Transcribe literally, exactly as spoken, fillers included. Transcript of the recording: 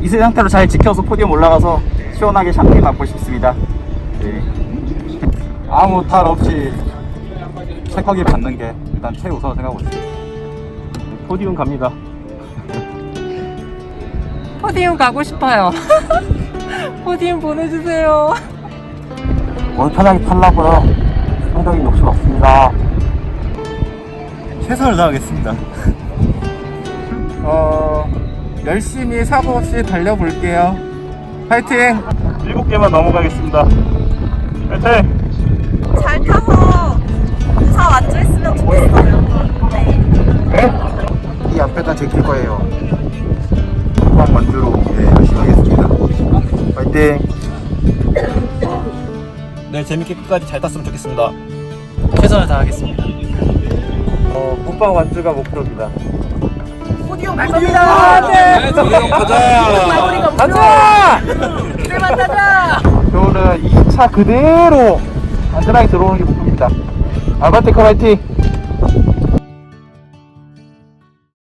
미세 상태로 잘 지켜서 포디움 올라가서 시원하게 샴페인 맞고 싶습니다. 네. 아무 탈 없이 체크하기 받는 게 일단 최우선 생각하고 있습니다. 포디움 갑니다. 포디움 가고 싶어요. 포디움 보내주세요. 오늘 편하게 타려고요. 상당히 욕심 없습니다. 최선을 다하겠습니다. 어, 열심히 사고 없이 달려볼게요. 파이팅! 일곱 개만 넘어가겠습니다. 파이팅! 잘 타서 차 완주했으면 좋겠어요. 네. 네? 이 앞에다 제낄 거예요. 후방 완주로 네, 열심히 하겠습니다. 파이팅! 네, 재밌게 끝까지 잘 탔으면 좋겠습니다. 최선을 다하겠습니다. 어, 후방 완주가 목표입니다. 포디움 갈 겁니다. 네. 포디움 가자! 가자! 그래만 타자! 저는 이 차 그대로 안전하게 들어오는 게 목표입니다. 알바테크 파이팅!